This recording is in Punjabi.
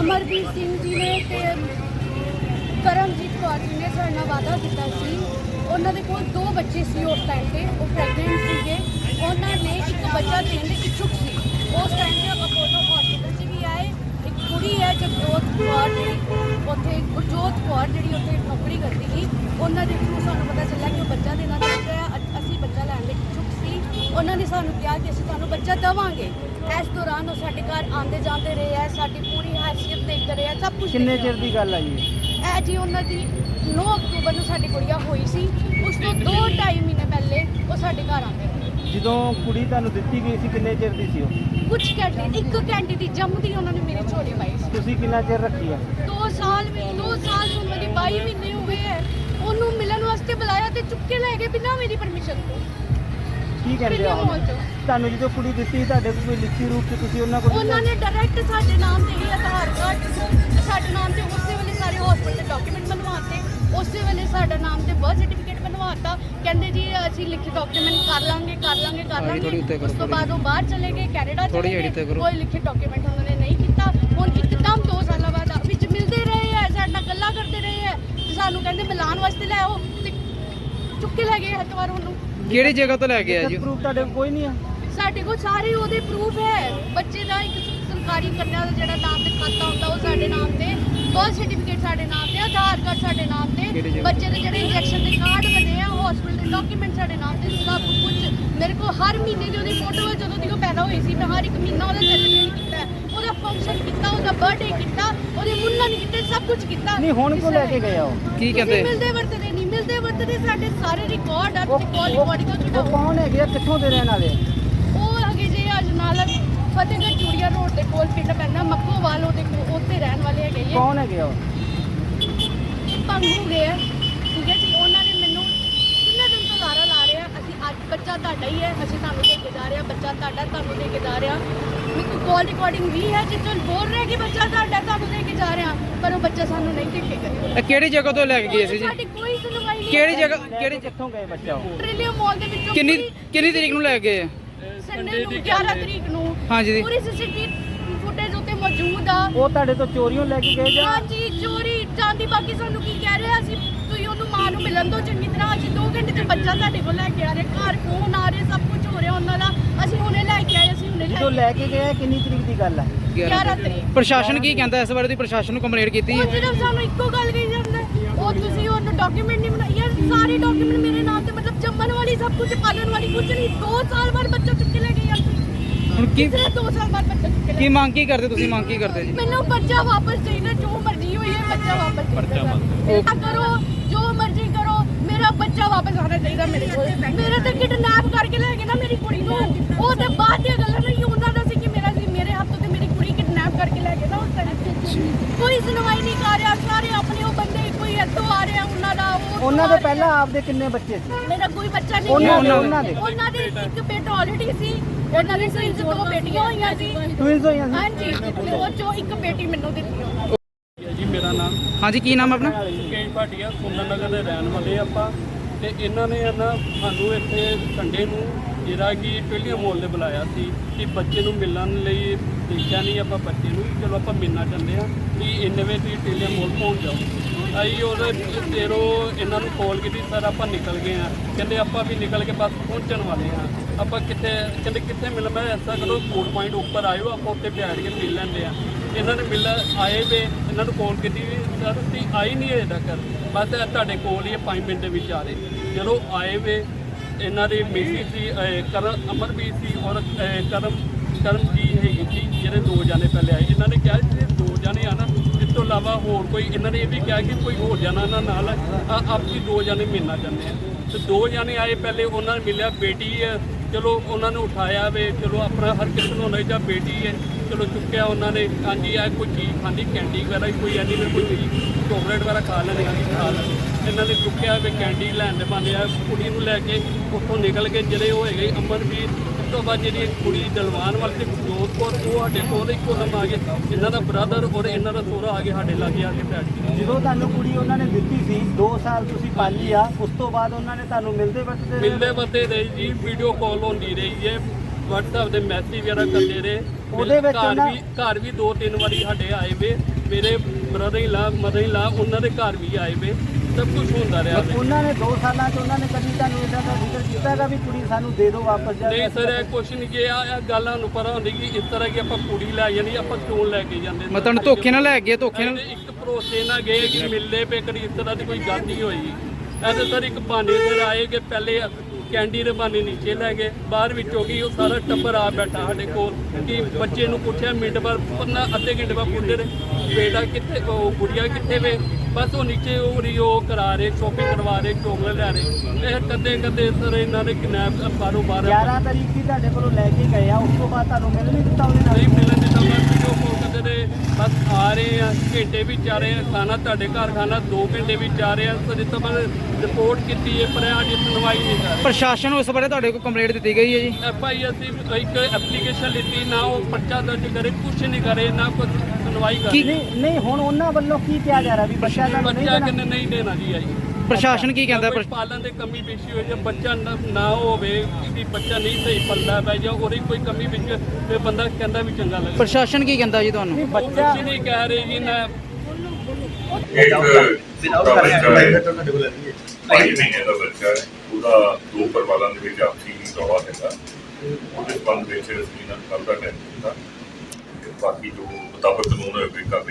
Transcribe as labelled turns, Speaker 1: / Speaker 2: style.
Speaker 1: ਅਮਰਦੀਪ ਸਿੰਘ ਜੀ ਨੇ ਤੇ ਕਰਮਜੀਤ ਕੌਰ ਜੀ ਨੇ ਸਾਡੇ ਨਾਲ ਵਾਅਦਾ ਕੀਤਾ ਸੀ। ਉਹਨਾਂ ਦੇ ਕੋਲ 2 ਬੱਚੇ ਸੀ ਉਸ ਟਾਈਮ ਤੇ, ਉਹ ਪ੍ਰੈਗਨੈਂਟ ਸੀਗੇ। ਉਹਨਾਂ ਨੇ ਇੱਕ ਬੱਚਾ ਦੇਣ ਦੇ ਇੱਛੁਕ ਸੀ। ਉਸ ਟਾਈਮ ਤੇ ਅਪੋਲੋ ਹਸਪੀਟਲ 'ਚ ਵੀ ਆਏ। ਇੱਕ ਕੁੜੀ ਹੈ ਜਗਜੋਤ ਕੌਰ ਜਿਹੜੀ ਉੱਥੇ ਗੁਰਜੋਤ ਕੌਰ ਜਿਹੜੀ ਉੱਥੇ ਨੌਕਰੀ ਕਰਦੀ ਸੀ, ਉਹਨਾਂ ਦੇ ਥਰੂ ਸਾਨੂੰ ਪਤਾ ਚੱਲਿਆ ਕਿ ਉਹ ਬੱਚਾ ਦੇਣਾ ਚਾਹੁੰਦੇ ਆ। ਅਸੀਂ ਬੱਚਾ ਲੈਣ ਦੇ ਇੱਛੁਕ ਸੀ। ਉਹਨਾਂ ਨੇ ਸਾਨੂੰ ਕਿਹਾ ਕਿ ਅਸੀਂ ਤੁਹਾਨੂੰ ਬੱਚਾ ਦੇਵਾਂਗੇ। ਇਸ ਦੌਰਾਨ ਉਹ ਸਾਡੇ ਘਰ ਆਉਂਦੇ ਜਾਂਦੇ ਰਹੇ ਆ, ਸਾਡੀ ਪੂਰੀ ਹੈਸੀਅਤ ਦੇਖਦੇ ਰਹੇ ਆ, ਸਭ ਕੁਝ।
Speaker 2: ਕਿੰਨੇ ਚਿਰ ਦੀ ਗੱਲ ਆ ਜੀ
Speaker 1: ਇਹ ਜੀ ਉਹਨਾਂ ਦੀ 9 ਅਕਤੂਬਰ ਨੂੰ ਸਾਡੀ ਕੁੜੀਆ ਹੋਈ ਸੀ। ਉਸ ਤੋਂ 2-2.5 ਮਹੀਨੇ ਪਹਿਲੇ ਉਹ ਸਾਡੇ ਘਰ ਆਉਂਦੇ ਰਹੇ।
Speaker 2: ਜਦੋਂ ਕੁੜੀ ਤੁਹਾਨੂੰ ਦਿੱਤੀ ਗਈ ਸੀ ਕਿੰਨੇ ਚਿਰ ਦੀ ਸੀ ਉਹ?
Speaker 1: ਕੁਝ ਘੰਟੇ, 1 ਘੰਟੇ ਦੀ ਜੰਮਦੀ ਉਹਨਾਂ ਨੇ ਮੇਰੀ ਝੋਲੀ ਪਾਈ ਸੀ।
Speaker 2: ਤੁਸੀਂ ਕਿੰਨਾ ਚਿਰ ਰੱਖੀ ਆ?
Speaker 1: 2 ਸਾਲ ਨੂੰ ਮੇਰੀ 22 ਮਹੀਨੇ ਹੋ ਗਏ ਹੈ। ਉਹਨੂੰ ਮਿਲਣ ਵਾਸਤੇ ਬੁਲਾਇਆ ਤੇ ਚੁੱਕ ਕੇ ਲੈ ਗਏ ਬਿਨਾਂ ਮੇਰੀ ਪਰਮਿਸ਼ਨ ਤੋਂ।
Speaker 2: ਕੀ ਕਹਿੰਦੇ ਆ ਹੁਣ? ਤੁਹਾਨੂੰ ਜਦੋਂ ਕੁੜੀ ਦਿੱਤੀ ਤੁਹਾਡੇ ਕੋਲ ਕੋਈ ਲਿਖਤੀ ਰੂਪ 'ਚ ਤੁਸੀਂ ਉਹਨਾਂ ਕੋਲ?
Speaker 1: ਉਹਨਾਂ ਨੇ ਡਾਇਰੈਕਟ ਸਾਡੇ ਨਾਮ ਤੇ ਹੀ ਆਧਾਰ ਕਾਰਡ ਸਾਡੇ ਨਾਮ ਤੇ ਉਸੇ ਵੇਲੇ ਸਾਰੇ ਹਸਪੀਟਲ ਦੇ ਡਾਕੂਮੈਂਟ ਬਣਵਾਤੇ। ਉਸੇ ਵੇਲੇ ਸਾਡਾ ਨਾਮ ਤੇ ਬਰਥ ਸਰਟੀਫਿਕੇਟ ਬਣਵਾਤਾ। ਕਹਿੰਦੇ ਜੀ ਅਸੀਂ ਲਿਖੇ ਡਾਕੂਮੈਂਟ ਕਰ ਲਾਂਗੇ। ਉਸ ਤੋਂ ਬਾਅਦ ਉਹ ਬਾਹਰ ਚਲੇ ਗਏ, ਕੈਨੇਡਾ ਚਲੇ ਗਏ। ਕੋਈ ਲਿਖੇ ਡਾਕੂਮੈਂਟ ਉਹਨਾਂ ਨੇ ਨਹੀਂ ਕੀਤਾ। ਹੁਣ ਇੱਕਦਮ 2 ਸਾਲਾਂ ਬਾਅਦ ਵਿੱਚ ਮਿਲਦੇ ਰਹੇ ਆ, ਸਾਡੇ ਨਾਲ ਗੱਲਾਂ ਕਰਦੇ ਰਹੇ ਆ ਤੇ ਸਾਨੂੰ ਕਹਿੰਦੇ ਮਿਲਾਉਣ ਵਾਸਤੇ ਲੈ ਆਓ ਤੇ ਚੁੱਕ ਕੇ ਲੈ ਗਏ ਹੱਥਵਾਰ ਉਹਨੂੰ।
Speaker 3: ਕਿਹੜੀ ਜਗ੍ਹਾ ਤੋਂ ਲੈ ਕੇ ਆਏ ਜੀ?
Speaker 2: ਪ੍ਰੂਫ ਤੁਹਾਡੇ ਕੋਲ ਕੋਈ ਨਹੀਂ ਆ?
Speaker 1: ਸਾਡੇ ਕੋਲ ਸਾਰੇ ਉਹਦੇ ਪ੍ਰੂਫ ਹੈ। ਬੱਚੇ ਦਾ ਇੱਕ ਸਰਕਾਰੀ ਕੰਨਿਆ ਦਾ ਜਿਹੜਾ ਨਾਮ ਤੇ ਖਾਤਾ ਹੁੰਦਾ ਉਹ ਸਾਡੇ ਨਾਮ ਤੇ, ਬਰਥ ਸਰਟੀਫਿਕੇਟ ਸਾਡੇ ਨਾਮ ਤੇ, ਆਧਾਰ ਕਾਰਡ ਸਾਡੇ ਨਾਮ ਤੇ, ਬੱਚੇ ਦੇ ਜਿਹੜੇ ਇੰਜੈਕਸ਼ਨ ਦੇ ਕਾਰਡ ਬਣੇ ਆ, ਹਸਪੀਟਲ ਦੇ ਡਾਕੂਮੈਂਟ ਸਾਡੇ ਨਾਮ ਤੇ, ਸਭ ਕੁਝ। ਮੇਰੇ ਕੋਲ ਹਰ ਮਹੀਨੇ ਦੀ ਉਹਦੀ ਫੋਟੋ ਹੈ। ਜਦੋਂ ਦੀ ਉਹ ਪੈਦਾ ਹੋਈ ਸੀ ਮੈਂ ਹਰ ਇੱਕ ਮਹੀਨਾ ਉਹਦਾ ਸੈਲੀਬ੍ਰੇਟ ਕੀਤਾ, ਉਹਦਾ ਫੰਕਸ਼ਨ ਕੀਤਾ, ਉਹਦਾ ਬਰਥਡੇ ਕੀਤਾ, ਉਹਦੇ ਮੁੰਨਨ ਕੀਤੇ, ਸਭ ਕੁਝ ਕੀਤਾ।
Speaker 2: ਨਹੀਂ ਹੁਣ ਕੋ ਲੈ ਕੇ ਗਏ ਆ ਉਹ?
Speaker 3: ਕੀ ਕਹਿੰਦੇ?
Speaker 1: ਮਿਲਦੇ ਵਰਤਦੇ ਨਹੀਂ, ਮਿਲਦੇ ਵਰਤਦੇ ਸਾਡੇ ਸਾਰੇ ਰਿਕਾਰਡ ਆ।
Speaker 2: ਉਹ ਕੌਣ ਹੈਗੇ ਆ, ਕਿੱਥੋਂ ਦੇ ਰਹਿਣ ਵਾਲੇ?
Speaker 1: ਉਹ ਹੈਗੇ ਜੀ ਅਜਨਾਲਾ ਫਤਿਹਗੜ੍ਹ ਚੂੜੀਆ ਰੋਡ ਦੇ ਕੋਲ ਪਿੰਡ ਪੈਂਦਾ ਮੱਕੋਵਾਲ, ਉਹਦੇ ਉੱਤੇ ਰਹਿਣ ਵਾਲੇ ਹੈਗੇ ਜੀ।
Speaker 2: ਕੌਣ ਹੈਗੇ ਆ ਉਹ?
Speaker 1: ਭੰਗੂ ਗਏ ਆ, ਠੀਕ ਹੈ ਜੀ। ਉਹਨਾਂ ਨੇ ਮੈਨੂੰ ਕਿੰਨੇ ਦਿਨ ਤੋਂ ਲਾਰਾ ਲਾ ਰਿਹਾ, ਅਸੀਂ ਅੱਜ ਬੱਚਾ ਤੁਹਾਡਾ ਹੀ ਹੈ, ਅਸੀਂ ਤੁਹਾਨੂੰ ਦੇ ਕੇ ਜਾ ਰਹੇ ਹਾਂ, ਬੱਚਾ ਤੁਹਾਡਾ ਤੁਹਾਨੂੰ ਦੇ ਕੇ ਜਾ ਰਹੇ ਹਾਂ। ਮੇਰੇ ਕੋਲ ਕਾਲ ਰਿਕਾਰਡਿੰਗ ਵੀ ਹੈ ਜਿੱਥੋਂ ਬੋਲ ਰਿਹਾ ਕਿ ਬੱਚਾ ਤੁਹਾਡਾ ਤੁਹਾਨੂੰ ਦੇ ਕੇ ਜਾ ਰਹੇ ਹਾਂ, ਪਰ ਉਹ ਬੱਚਾ ਸਾਨੂੰ ਨਹੀਂ ਦੇ ਕੇ ਗਏ।
Speaker 3: ਇਹ ਕਿਹੜੀ ਜਗ੍ਹਾ ਤੋਂ ਲੈ ਕੇ ਗਏ ਸੀ ਜੀ?
Speaker 1: ਸਾਡੀ ਕੋਈ ਸੁਣਵਾਈ ਨਹੀਂ।
Speaker 3: ਕਿਹੜੀ ਜਗ੍ਹਾ?
Speaker 2: ਕਿਹੜੇ ਕਿੱਥੋਂ ਗਏ ਬੱਚਾ ਉਹ?
Speaker 1: ਟ੍ਰਿਲੀਅਮ ਮਾਲ ਦੇ ਵਿੱਚੋਂ।
Speaker 3: ਕਿੰਨੀ ਤਰੀਕ ਨੂੰ ਲੈ ਕੇ ਗਏ?
Speaker 1: ਸੰਡੇ ਨੂੰ 11 ਤਰੀਕ ਨੂੰ।
Speaker 3: ਹਾਂਜੀ ਜੀ।
Speaker 1: ਪੂਰੀ ਸੀਸੀਟੀਵੀ ਫੁਟੇਜ ਉੱਤੇ ਮੌਜੂਦ ਆ।
Speaker 2: ਉਹ ਤੁਹਾਡੇ ਤੋਂ ਚੋਰੀਓਂ ਲੈ ਕੇ ਗਏ ਜਾਂ?
Speaker 1: ਹਾਂਜੀ ਚੋਰੀ ਜਾਂਦੀ। ਬਾਕੀ ਸਾਨੂੰ ਕੀ ਕਹਿ ਰਿਹਾ ਸੀ, ਤੁਸੀਂ ਉਹਨੂੰ ਮਾਂ ਨੂੰ ਮਿਲਣ ਦਿਓ ਚੰਗੀ ਤਰ੍ਹਾਂ। ਅਸੀਂ 2 ਘੰਟੇ ਤੇ ਬੱਚਾ ਤੁਹਾਡੇ ਕੋਲ ਲੈ ਕੇ ਆ ਰਹੇ, ਘਰ ਫੋਨ ਆ ਰਹੇ, ਸਭ ਕੁਝ ਹੋ ਰਿਹਾ ਉਹਨਾਂ ਦਾ। ਅਸੀਂ ਹੁਣੇ ਲੈ ਕੇ ਆਏ, ਅਸੀਂ ਹੁਣੇ
Speaker 2: ਜਦੋਂ ਲੈ ਕੇ ਗਏ ਕਿੰਨੀ ਤਰੀਕ ਦੀ ਗੱਲ ਆ?
Speaker 1: 11 ਤਰੀਕ।
Speaker 3: ਪ੍ਰਸ਼ਾਸਨ ਕੀ ਕਹਿੰਦਾ ਇਸ ਬਾਰੇ? ਦੀ ਪ੍ਰਸ਼ਾਸਨ ਨੂੰ ਕੰਪਲੇਂਟ ਕੀਤੀ?
Speaker 1: ਉਹ ਸਿਰਫ ਸਾਨੂੰ ਇੱਕੋ ਗੱਲ ਕਹੀ ਜਾਂਦਾ, ਉਹ ਤੁਸੀਂ ਉਹਨੂੰ ਡਾਕੂਮੈਂਟ ਨਹੀਂ ਬਣਾਏ। ਯਾਰ ਸਾਰੇ ਡਾਕੂਮੈਂਟ ਮੇਰੇ ਨਾਮ ਤੇ, ਮਤਲਬ ਜੰਮਣ ਵਾਲੀ ਸਭ ਕੁਝ, ਪਾਲਣ ਵਾਲੀ ਕੁਝ ਨਹੀਂ। 2 ਸਾਲ ਬਾਅਦ ਬੱਚਾ ਚੁੱਕ ਕੇ ਲੈ ਗਏ ਯਾਰ।
Speaker 3: ਹੁਣ ਕੀ
Speaker 1: 2 ਸਾਲ ਬਾਅਦ ਬੱਚਾ ਚੁੱਕ ਕੇ ਲੈ
Speaker 3: ਕੀ ਮੰਗ ਕੀ ਕਰਦੇ ਤੁਸੀਂ? ਮੰਗ ਕੀ ਕਰਦੇ ਜੀ?
Speaker 1: ਮੈਨੂੰ ਬੱਚਾ ਵਾਪਸ ਚਾਹੀਦਾ, ਜੋ ਮਰਜ਼ੀ ਹੋਈ ਹੈ ਬੱਚਾ ਵਾਪਸ ਚਾਹੀਦਾ। ਕਰੋ ਜੋ ਮਰਜ਼ੀ ਕਰੋ, ਮੇਰਾ ਬੱਚਾ ਵਾਪਸ ਆਉਣਾ ਚਾਹੀਦਾ ਮੇਰੇ ਕੋਲ। ਮੇਰੇ ਤੇ ਕਿਡਨੈਪ ਕਰਕੇ ਲੈ ਗਏ ਨਾ ਮੇਰੀ ਕੁੜੀ ਨੂੰ। ਉਹ ਤੇ ਬਾਅਦ ਦੀਆਂ ਗੱਲਾਂ ਨਹੀਂ, ਉਹਨਾਂ ਦਾ ਸੀ ਕਿ ਮੇਰੇ ਹੱਥੋਂ ਤੇ ਮੇਰੀ ਕੁੜੀ ਕਿਡਨੈਪ ਕਰਕੇ ਲੈ ਗਏ ਨਾ ਉਸ ਟਾਈਮ। ਕੋਈ ਸੁਣਵਾਈ ਨਹੀਂ ਕਰ ਰਿਹਾ। ਸਾਰੇ ਆਪਣੇ ਉਹ ਬੰਦੇ ਕੋਈ ਇੱਥੋਂ ਆ ਰਿਹਾ,
Speaker 2: ਉਹਨਾਂ ਦੇ ਪਹਿਲਾਂ ਆਪਦੇ ਕਿੰਨੇ ਬੱਚੇ ਸੀ?
Speaker 1: ਮੇਰਾ ਕੋਈ ਬੱਚਾ ਨਹੀਂ।
Speaker 2: ਉਹਨਾਂ ਦੇ
Speaker 1: ਇੱਕ ਬੇਟਾ ਆਲਰੇਡੀ ਸੀ। ਉਹਨਾਂ ਦੀ 2 ਬੇਟੀਆਂ ਹੋਈਆਂ ਸੀ।
Speaker 2: ਟਵਿੰਸ ਹੋਈਆਂ ਸੀ?
Speaker 1: ਹਾਂਜੀ, ਤੇ ਉਹ ਚੋਂ ਇੱਕ ਬੇਟੀ ਮੈਨੂੰ ਦਿੱਤੀ।
Speaker 4: ਜੀ ਮੇਰਾ ਨਾਮ
Speaker 3: ਹਾਂਜੀ, ਕੀ ਨਾਮ ਆਪਣਾ?
Speaker 4: ਕੇਜ ਭਾਟੀਆ, ਸੁੰਦਰ ਨਗਰ ਦੇ ਰਹਿਣ ਵਾਲੇ ਆਪਾਂ। ਤੇ ਇਹਨਾਂ ਨੇ ਨਾ ਸਾਨੂੰ ਇੱਥੇ ਸੰਡੇ ਨੂੰ ਜਿਹੜਾ ਕਿ ਟ੍ਰਿਲੀਅਮ ਮਾਲ ਦੇ ਬੁਲਾਇਆ ਸੀ ਕਿ ਬੱਚੇ ਨੂੰ ਮਿਲਣ ਲਈ। ਦੇਖਿਆ ਨਹੀਂ ਆਪਾਂ ਬੱਚੇ ਨੂੰ, ਚਲੋ ਆਪਾਂ ਮਿਲਣਾ ਚਾਹੁੰਦੇ ਹਾਂ ਕਿ ਇੰਨੇ ਵਜੇ ਤੁਸੀਂ ਟ੍ਰਿਲੀਅਮ ਮਾਲ ਪਹੁੰਚ ਜਾਓ। ਅਸੀਂ ਉਹਦੇ ਤੇਰੋਂ ਇਹਨਾਂ ਨੂੰ ਕਾਲ ਕੀਤੀ, ਸਰ ਆਪਾਂ ਨਿਕਲ ਗਏ ਹਾਂ। ਕਹਿੰਦੇ ਆਪਾਂ ਵੀ ਨਿਕਲ ਕੇ ਬਸ ਪਹੁੰਚਣ ਵਾਲੇ ਹਾਂ। ਆਪਾਂ ਕਹਿੰਦੇ ਕਿੱਥੇ ਮਿਲ? ਮੈਂ ਐਸਾ ਕਰੋ ਫੂਡ ਪੁਆਇੰਟ ਉੱਪਰ ਆਇਓ, ਆਪਾਂ ਉੱਥੇ ਬੈਠ ਕੇ ਮਿਲ ਲੈਂਦੇ ਆ। ਇਹਨਾਂ ਨੇ ਆਏ ਵੇ, ਇਹਨਾਂ ਨੂੰ ਕਾਲ ਕੀਤੀ ਵੀ ਸਰ ਤੁਸੀਂ ਆਈ ਨਹੀਂ ਅਜੇ ਤੱਕ, ਬਸ ਤੁਹਾਡੇ ਕੋਲ ਹੀ 5 ਮਿੰਟ ਦੇ ਵਿੱਚ ਆ ਰਹੇ। ਜਦੋਂ ਆਏ ਵੇ, ਇਹਨਾਂ ਦੀ ਮਿਸੀ ਸੀ ਅਮਰਵੀਰ ਸੀ ਔਰ ਕਰਮ ਜੀ ਹੈਗੀ ਸੀ, ਜਿਹੜੇ 2 ਜਾਣੇ ਪਹਿਲੇ ਆਏ। ਇਹਨਾਂ ਨੇ ਕਿਹਾ ਜਿਹੜੇ 2 ਜਾਣੇ ਆ ਨਾ, ਇਸ ਤੋਂ ਇਲਾਵਾ ਹੋਰ ਕੋਈ, ਇਹਨਾਂ ਨੇ ਇਹ ਵੀ ਕਿਹਾ ਕਿ ਕੋਈ ਹੋਰ ਜਾਣਾ ਇਹਨਾਂ ਨਾਲ ਆਪੀ 2 ਜਾਣੇ ਮਿਲਣਾ ਚਾਹੁੰਦੇ ਆ। ਤੇ 2 ਜਾਣੇ ਆਏ ਪਹਿਲੇ, ਉਹਨਾਂ ਨੇ ਮਿਲਿਆ। ਬੇਟੀ ਹੈ, ਚਲੋ ਉਹਨਾਂ ਨੂੰ ਉਠਾਇਆ ਵੇ, ਚਲੋ ਆਪਣਾ ਹਰ ਕਿਸੇ ਨੂੰ ਹੋਣਾ ਜਾਂ ਬੇਟੀ ਹੈ, ਚਲੋ ਚੁੱਕਿਆ ਉਹਨਾਂ ਨੇ। ਹਾਂਜੀ ਆ ਕੋਈ ਚੀਜ਼ ਖਾਂਦੀ, ਕੈਂਡੀ ਵਗੈਰਾ ਕੋਈ ਐਨੀ ਫਿਰ ਕੋਈ ਚੀਜ਼ ਚੋਕਲੇਟ ਵਗੈਰਾ ਖਾ ਲੈਂਦੇ ਆ, ਖਾ ਲੈਂਦੇ। ਇਹਨਾਂ ਨੇ ਚੁੱਕਿਆ ਵੇ, ਕੈਂਡੀ ਲੈਣ ਦੇ ਬੰਦੇ ਆ। ਕੁੜੀ ਨੂੰ ਲੈ ਕੇ ਉੱਥੋਂ ਨਿਕਲ ਕੇ ਜਿਹੜੇ ਉਹ ਹੈਗੇ ਅਮਰਵੀਰ, ਉਸ ਤੋਂ ਬਾਅਦ ਜਿਹੜੀ ਕੁੜੀ ਦਲਵਾਨ ਵਾਲੀ ਤੇ ਜੋਤ ਕੌਰ, ਉਹ ਸਾਡੇ ਕੋਲ ਇੱਕੋ ਦਮ ਆ ਗਏ। ਇਹਨਾਂ ਦਾ ਬ੍ਰਦਰ ਔਰ ਇਹਨਾਂ ਦਾ ਸਹੁਰਾ ਆ ਕੇ ਸਾਡੇ ਲਾਗੇ ਆ ਕੇ ਬੈਠ ਗਏ।
Speaker 2: ਜਦੋਂ ਤੁਹਾਨੂੰ ਕੁੜੀ ਉਹਨਾਂ ਨੇ ਦਿੱਤੀ ਸੀ 2 ਸਾਲ ਤੁਸੀਂ ਪਾਲੀ ਆ, ਉਸ ਤੋਂ ਬਾਅਦ ਉਹਨਾਂ ਨੇ ਤੁਹਾਨੂੰ ਮਿਲਦੇ ਵਰਤਦੇ
Speaker 4: ਰਹੇ ਜੀ। ਵੀਡੀਓ ਕਾਲ ਹੁੰਦੀ ਰਹੀ ਹੈ, WhatsApp ਦੇ ਮੈਸੇਜ ਵਗੈਰਾ ਕਰਦੇ ਰਹੇ।
Speaker 2: ਉਹਦੇ ਵਿੱਚ
Speaker 4: ਘਰ ਵੀ 2-3 ਵਾਰੀ ਸਾਡੇ ਆਏ ਵੇ, ਮੇਰੇ brother in law mother in ਲਾ ਉਹਨਾਂ ਦੇ ਘਰ ਵੀ ਆਏ ਵੇ, ਸਭ ਕੁਝ ਹੁੰਦਾ ਰਿਹਾ ਵੇ।
Speaker 2: ਉਹਨਾਂ ਨੇ 2 ਸਾਲਾਂ 'ਚ ਉਹਨਾਂ ਨੇ ਕਦੀ ਤੁਹਾਨੂੰ ਇਦਾਂ ਦਾ ਜ਼ਿਕਰ ਕੀਤਾ ਹੈਗਾ ਵੀ ਕੁੜੀ ਸਾਨੂੰ ਦੇ ਦਿਓ ਵਾਪਸ ਜਾ
Speaker 4: ਨਹੀਂ ਸਰ, ਇਹ ਕੁਛ ਨਹੀਂ ਜੇ ਆ ਗੱਲਾਂ ਨੂੰ ਪਤਾ ਹੁੰਦੀ ਕਿ ਇਸ ਤਰ੍ਹਾਂ ਕਿ ਆਪਾਂ ਕੁੜੀ ਲੈ ਜਾਂਦੀ, ਆਪਾਂ ਕਿਉਂ ਲੈ ਕੇ ਜਾਂਦੇ?
Speaker 3: ਮੈਂ ਤੁਹਾਨੂੰ ਧੋਖੇ ਨਾਲ ਲੈ ਗਏ, ਧੋਖੇ ਨਾਲ
Speaker 4: ਇੱਕ ਭਰੋਸੇ ਨਾਲ ਗਏ ਕਿ ਮਿਲਦੇ ਪਏ, ਕਦੀ ਇਸ ਤਰ੍ਹਾਂ ਦੀ ਕੋਈ ਗੱਲ ਨਹੀਂ ਹੋਈ। ਇਹ ਤਾਂ ਸਰ ਇੱਕ ਬਹਾਨੇ ਸਿਰ ਆਏ ਕਿ ਪਹਿਲੇ ਕੈਂਡੀ ਦੇ ਬਹਾਨੇ ਨੀਚੇ ਲੈ ਗਏ, ਬਾਹਰ ਵਿੱਚੋਂ ਕੀ ਉਹ ਸਾਰਾ ਟੱਬਰ ਆ ਬੈਠਾ ਸਾਡੇ ਕੋਲ ਕਿ ਬੱਚੇ ਨੂੰ ਪੁੱਛਿਆ ਮਿੰਟ ਬਾਅਦ ਪੰਨਾ ਅੱਧੇ ਘੰਟੇ ਬਾਅਦ ਪੁੱਛਦੇ ਰਹੇ ਬੇਟਾ ਕਿੱਥੇ, ਉਹ ਗੁੜੀਆ ਕਿੱਥੇ ਵੇ? ਬਸ ਉਹ ਨੀਚੇ ਉਹ ਕਰਾ ਰਹੇ, ਸ਼ੋਪਿੰਗ ਕਰਵਾ ਰਹੇ, ਚੋਕਲੇਟ ਲੈ ਰਹੇ। ਇਹ ਕਦੇ ਸਰ ਇਹਨਾਂ ਨੇ ਕਿਡਨੈਪ ਬਾਹਰੋਂ
Speaker 2: 11 ਤਰੀਕ ਦੀ ਤੁਹਾਡੇ ਕੋਲੋਂ ਲੈ ਕੇ ਗਏ ਆ, ਉਸ ਤੋਂ ਬਾਅਦ ਤੁਹਾਨੂੰ ਮਿਲ ਨਹੀਂ ਦਿੱਤਾ ਉਹਦੇ ਨਾਲ?
Speaker 4: ਨਹੀਂ ਮਿਲਣ ਦਿੱਤਾ। ਬਸ ਵੀਡੀਓ ਕਾਲ ਕਰਦੇ ਰਹੇ, ਬਸ ਆ ਰਹੇ ਆ, ਘੰਟੇ ਵਿੱਚ ਆ ਰਹੇ ਆ, ਖਾਣਾ ਤੁਹਾਡੇ ਘਰ ਖਾਣਾ 2 ਘੰਟੇ ਵਿੱਚ ਆ ਰਹੇ ਆ। ਸੋ ਜਿੱਦਾਂ ਮੈਂ ਰਿਪੋਰਟ ਕੀਤੀ ਹੈ ਪਰ ਅੱਜ ਸੁਣਵਾਈ ਨਹੀਂ ਕਰ ਰਹੀ।
Speaker 3: ਪ੍ਰਸ਼ਾਸਨ ਨੂੰ ਇਸ ਬਾਰੇ ਤੁਹਾਡੇ ਕੋਲ ਕੰਪਲੇਂਟ ਦਿੱਤੀ ਗਈ ਹੈ ਜੀ?
Speaker 4: FI ਅਸੀਂ ਇੱਕ ਐਪਲੀਕੇਸ਼ਨ ਲਿੱਤੀ, ਨਾ ਉਹ ਪਰਚਾ ਦਰਜ ਕਰੇ, ਕੁਛ ਨਹੀਂ ਕਰੇ, ਨਾ ਕੁਛ ਸੁਣਵਾਈ ਕਰੇ।
Speaker 2: ਨਹੀਂ ਹੁਣ ਉਹਨਾਂ ਵੱਲੋਂ ਕੀ ਕਿਹਾ ਜਾ ਰਿਹਾ ਵੀ ਬੱਚਾ ਤੁਹਾਨੂੰ ਨਹੀਂ
Speaker 4: ਬੱਚਾ
Speaker 2: ਦੇਣਾ?
Speaker 4: ਕਿੰਨੇ ਨਹੀਂ ਦੇਣਾ ਜੀ ਆਈ।
Speaker 3: ਪ੍ਰਸ਼ਾਸਨ ਕੀ ਕਹਿੰਦਾ?
Speaker 4: ਕੋਈ ਪਾਲਣ ਦੇ ਕਮੀ ਪੇਸ਼ੀ ਹੋਈ, ਜੇ ਬੱਚਾ ਨਾ ਹੋਵੇ ਕਿ ਬੱਚਾ ਨਹੀਂ ਸਹੀ ਪਲਦਾ ਪੈ ਜਾਂ ਉਹਦੀ ਕੋਈ ਕਮੀ ਵਿੱਚ ਤੇ ਬੰਦਾ ਕਹਿੰਦਾ ਵੀ ਚੰਗਾ ਲੱਗਦਾ।
Speaker 3: ਪ੍ਰਸ਼ਾਸਨ ਕੀ ਕਹਿੰਦਾ ਜੀ ਤੁਹਾਨੂੰ?
Speaker 4: ਬੱਚਾ ਕੁਛ ਨਹੀਂ ਕਹਿ ਰਹੇ ਜੀ ਨਾ।
Speaker 5: ਭਾਈ ਮਹੀਨੇ ਦਾ ਬੱਚਾ ਹੈ, ਉਹਦਾ 2 ਪਰਿਵਾਰਾਂ ਦੇ ਵਿੱਚ ਆਪਸੀ ਰੌਲਾ ਹੈਗਾ। ਉਹਦੇ ਸੰਬੰਧ ਵਿੱਚ ਅਸੀਂ ਨਾਲ ਕੱਲ੍ਹ ਦਾ ਟਾਈਮ ਦਿੱਤਾ, ਬਾਕੀ ਜੋ ਮੁਤਾਬਕ ਕਾਨੂੰਨ ਹੋਵੇ ਕਾਰਵਾਈ